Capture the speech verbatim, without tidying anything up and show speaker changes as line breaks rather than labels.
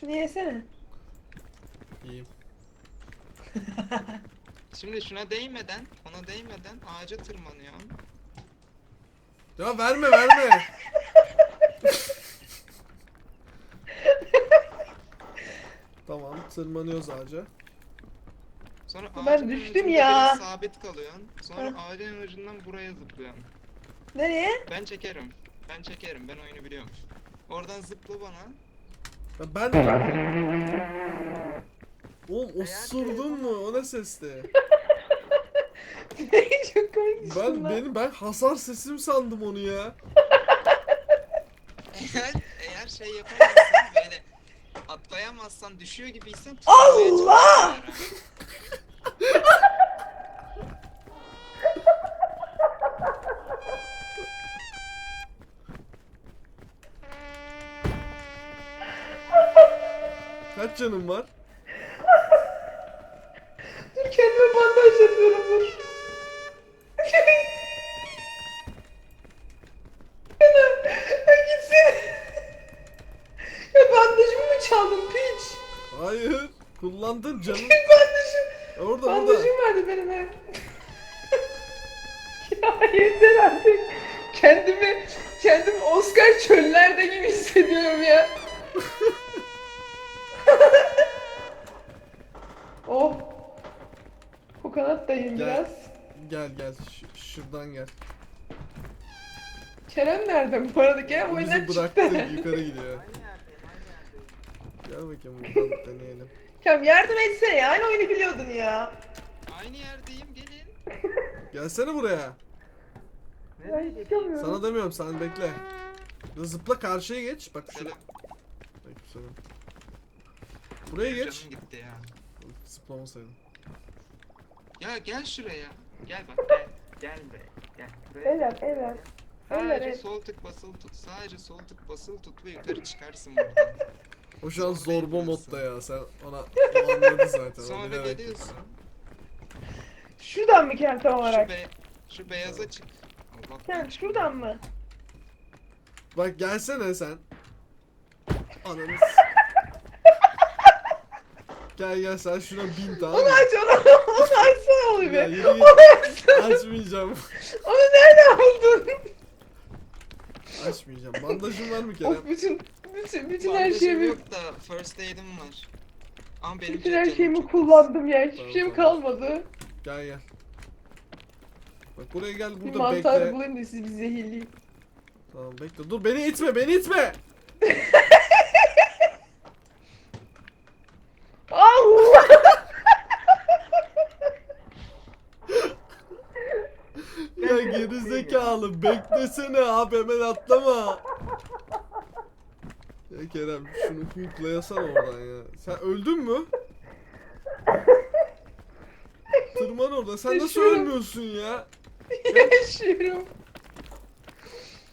Şunu yesene.
İyiyim.
Şimdi şuna değmeden, ona değmeden ağaca tırmanıyorsun.
Ya verme verme. Tamam tırmanıyoruz ağaca.
Sonra
Ben
ağacın
düştüm
ucunda
ya.
biraz sabit kalıyorsun. Sonra
Heh.
ağacın ucundan buraya zıplıyorsun.
Nereye?
Ben çekerim. Ben çekerim. Ben oyunu biliyorum. Oradan zıpla bana.
Ya ben... Oğlum osurdun mu? O ne sesti?
Çok komik düştüm
Ben
lan.
benim ben hasar sesim sandım onu ya.
Eğer, eğer şey yapamazsan böyle atlayamazsan düşüyor gibiysen tutmaya
Allah!
çalışıyorlar.
Kaç canım var?
Dur kendime bandaj yapıyorum dur. Ya gitsin. Ya bandajımı mı çaldın piç?
Hayır. Kullandın canım.
Bandajım.
Orada
Bandajım
orada.
vardı benim hep. Ya yeter artık. Kendimi, kendimi Oscar çöllerde gibi hissediyorum ya. Oh. Kokonat dayım
Gel.
biraz.
Gel gel. Ş- şuradan gel.
Kerem nerede bu arada? Kerem oyundan
Bizi bıraktı
çıktı.
yukarı gidiyor. Gel bakayım buradan deneyelim.
Kerem yardım etsene ya. Aynı oyunu biliyordun ya.
Aynı yerdeyim gelin.
Gelsene buraya.
Ben çıkamıyorum.
Sana demiyorum sen bekle. Ya zıpla karşıya geç. Bak şuraya.
Selam.
Aleykümselam. Buraya geç.
Canım gitti ya.
Zıplamasaydım.
Ya gel şuraya. Gel bak gel. Gel be. Gel. Buraya.
Evet evet.
Sadece
Evet.
sol tık basılı tut. Sadece sol tık basılı tut ve yukarı çıkarsın buradan.
O şu an
Sonra
zorba
yaparsın.
modda ya. Sen ona o anladı zaten. o
Sonra
bilerek
geliyorsun.
Şuradan mı Kerem tam
Şu,
olarak?
be şu beyaza çık. Allah
Kerem şuradan mı?
Bak gelsene sen. Ananı s- Gel gel sen şuna bin tamam
Onu
mı?
aç onu. Onu açsana onu
Ya
bir.
yürü git.
Onu açsana.
Açmayacağım.
Onu nereden buldun?
Açmayacağım. Bandajın var mı Kerem?
Of bütün bütün bütün her
Bandajım
şeyimi
yok da first aid'im var. Ama benim
bütün
çok
her
canım
şeyimi
çok az.
kullandım ya. Hiçbir
Tamam,
şeyim
tamam.
kalmadı.
Gel gel. Bak buraya gel
Bir
burada
mantar
bekle.
bulayım da sizi bir zehirleyeyim.
Tamam bekle. Dur beni itme beni itme.
Allah!
Ya gerizekalı beklesene abi hemen atlama. Ya Kerem şunu hooklayasana oradan ya. Sen öldün mü? Tırman orada. Sen nasıl
Yaşıyorum.
ölmüyorsun ya?
Yaşıyorum.